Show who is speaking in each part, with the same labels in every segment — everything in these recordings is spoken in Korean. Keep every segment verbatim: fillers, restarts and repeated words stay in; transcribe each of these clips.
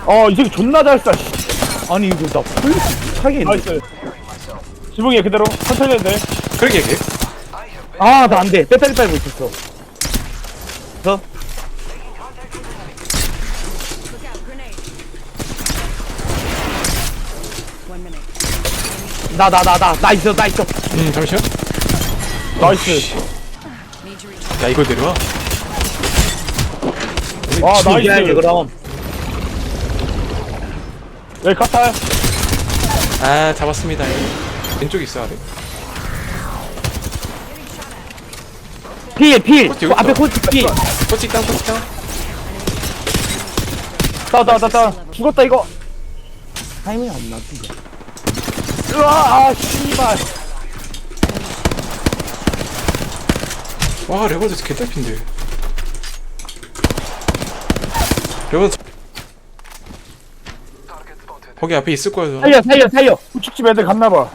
Speaker 1: 어, 이 새끼 존나 잘 쏴. 씨. 아니, 이거 나 폴리스 사기 나이스. 지붕이야, 그대로. 천천히 해도 돼.
Speaker 2: 그러게 걔.
Speaker 1: 아, 나 안 돼. 배터리 빨고 있었어. 저? 나, 나, 나, 나, 나 있어, 나 있어.
Speaker 2: 음 잠시만.
Speaker 1: 나이스.
Speaker 2: 야 이걸 내려와.
Speaker 1: 와,
Speaker 3: 죽여야지,
Speaker 1: 나이스.
Speaker 3: 그럼.
Speaker 1: 여기 카탈.
Speaker 2: 아 잡았습니다. 왼쪽에 있어 아래.
Speaker 3: 필, 필.
Speaker 2: 코치
Speaker 3: 그
Speaker 2: 여기
Speaker 3: 앞에
Speaker 2: 있다.
Speaker 3: 코치 필.
Speaker 2: 꼬치 땅 꼬치 땅.
Speaker 1: 따, 따, 따, 따. 죽었다, 이거.
Speaker 3: 타이밍이 안 맞지.
Speaker 1: 으아, 아, 씨발.
Speaker 2: 와 레버드 개딸핀데. 레버드 거기 앞에 있을 거야.
Speaker 3: 살려, 살려, 살려.
Speaker 1: 우측집 애들 갔나봐.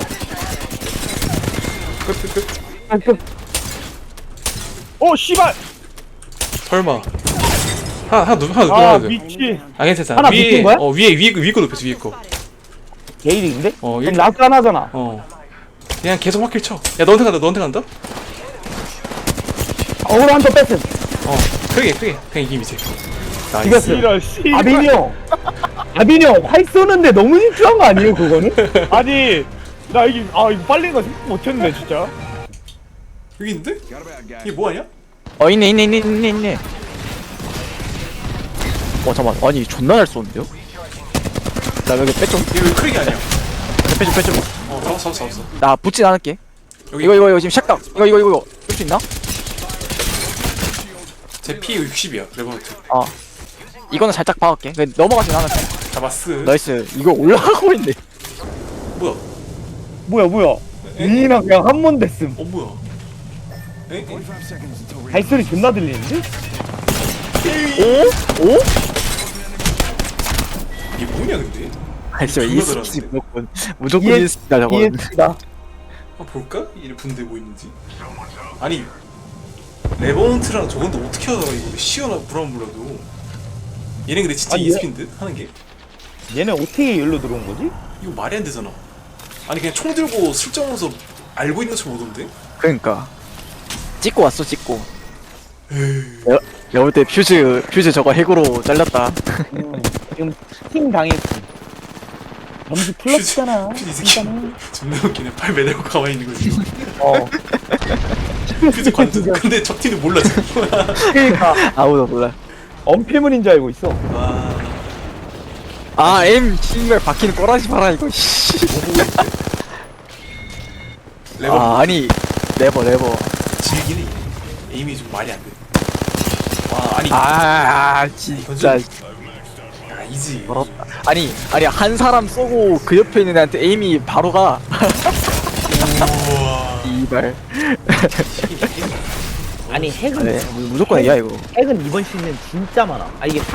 Speaker 2: 끝끝끝.
Speaker 3: 아, 그,
Speaker 1: 오, 씨발.
Speaker 2: 설마. 하나 하나 누 하나
Speaker 1: 아,
Speaker 2: 누워야 돼.
Speaker 1: 미치.
Speaker 2: 아 괜찮아.
Speaker 3: 하나
Speaker 2: 위에
Speaker 3: 붙은 거야?
Speaker 2: 어 위에 위에 위에 거 높였어 위에 거.
Speaker 3: 게일인데?
Speaker 2: 어
Speaker 1: 그럼
Speaker 2: 일.
Speaker 1: 라스 하나잖아.
Speaker 2: 어. 그냥 계속 확킬 쳐. 야 너한테 간다 너한테 간다.
Speaker 3: 어그로 한번 뺐음.
Speaker 2: 어 크게 크게 그냥 이김이지. 나이스.
Speaker 3: 이겼어.
Speaker 1: 이럴, 씨발.
Speaker 3: 아빈이 형. 아빈이 형, 활 쏘는데 너무 집중한 거 아니에요, 그거는?
Speaker 1: 아니, 나 이게, 아, 이거 빨린 거 생각 못했네, 진짜.
Speaker 2: 여기 있는데? 이게 뭐 하냐?
Speaker 4: 어 있네 있네 있네 있네 있네. 어 잠깐 아니 존나 잘 쏘는데요? 나 여기 빼좀
Speaker 2: 이게 왜 크게 아니야?
Speaker 4: 빼좀 빼좀.
Speaker 2: 어 잡았어 잡았어 잡았어.
Speaker 4: 나 붙진 않을게.
Speaker 2: 여기
Speaker 4: 이거 이거 이거 지금 샷각. 이거 이거 이거 이거 쓸 수 있나?
Speaker 2: 제 피 육십이야 레버노트.
Speaker 4: 어. 이거는 살짝 박을게. 근데 넘어가진 않았어.
Speaker 2: 잡았어.
Speaker 4: 나이스. 이거 올라가고 있네.
Speaker 2: 뭐야?
Speaker 1: 뭐야, 뭐야. 민이랑 그냥 한 번 됐음.
Speaker 2: 어 뭐야? 에? 에?
Speaker 1: 발소리 존나 들리는데?
Speaker 4: 오? 오?
Speaker 2: 이게 뭐냐 근데?
Speaker 4: 아니 저
Speaker 2: 존나
Speaker 4: 이스키
Speaker 2: 잘하는데?
Speaker 4: 무조건 무조건
Speaker 1: 이해-
Speaker 4: 이스키다 저거.
Speaker 1: 이해치다.
Speaker 2: 한번 볼까? 이래 분대 뭐 있는지. 아니 레버노트랑 저건데 어떻게 하다가 이거 시원한 브라운 몰라도. 얘네 근데 진짜
Speaker 1: 아니, 얘-
Speaker 2: 이스킨 듯 하는 게.
Speaker 1: 얘네 어떻게 여기로 들어온 거지?
Speaker 2: 이거 말이 안 되잖아. 아니 그냥 총 들고 슬쩍하면서 알고 있는 척 오던데?
Speaker 4: 그러니까 찍고 왔어 찍고. 내가 내가 볼 때 퓨즈 퓨즈 저거 핵으로 잘렸다.
Speaker 1: 음, 지금 팀 당했지. 점수 플러스잖아.
Speaker 2: 퓨즈 이 새끼 존나 웃기네. 팔 매달고 가만히 있는 거지.
Speaker 1: 어.
Speaker 2: 퓨즈 관전. 근데 적 팀은 몰라 지금.
Speaker 1: 그니까.
Speaker 4: 아무도 몰라.
Speaker 1: 언필문인 줄 알고 있어.
Speaker 2: 와.
Speaker 4: 아 M 신발 박히는 꼬라지 봐라 이거. 씨.
Speaker 2: 레버
Speaker 4: 아 아니 레버 레버.
Speaker 2: 질기네. 에임이 좀 말이 안 돼. 와 아니.
Speaker 4: 아, 아 진짜
Speaker 2: 야 이지.
Speaker 4: 더럽다. 아니 아니 한 사람 쏘고 그 옆에 있는 애한테 에임이 바로 가.
Speaker 2: 우와.
Speaker 4: 이발.
Speaker 3: 아니, 핵은,
Speaker 4: 네, 무조건 이야 이거.
Speaker 3: 핵은 이번 시즌 진짜 많아. 아, 이게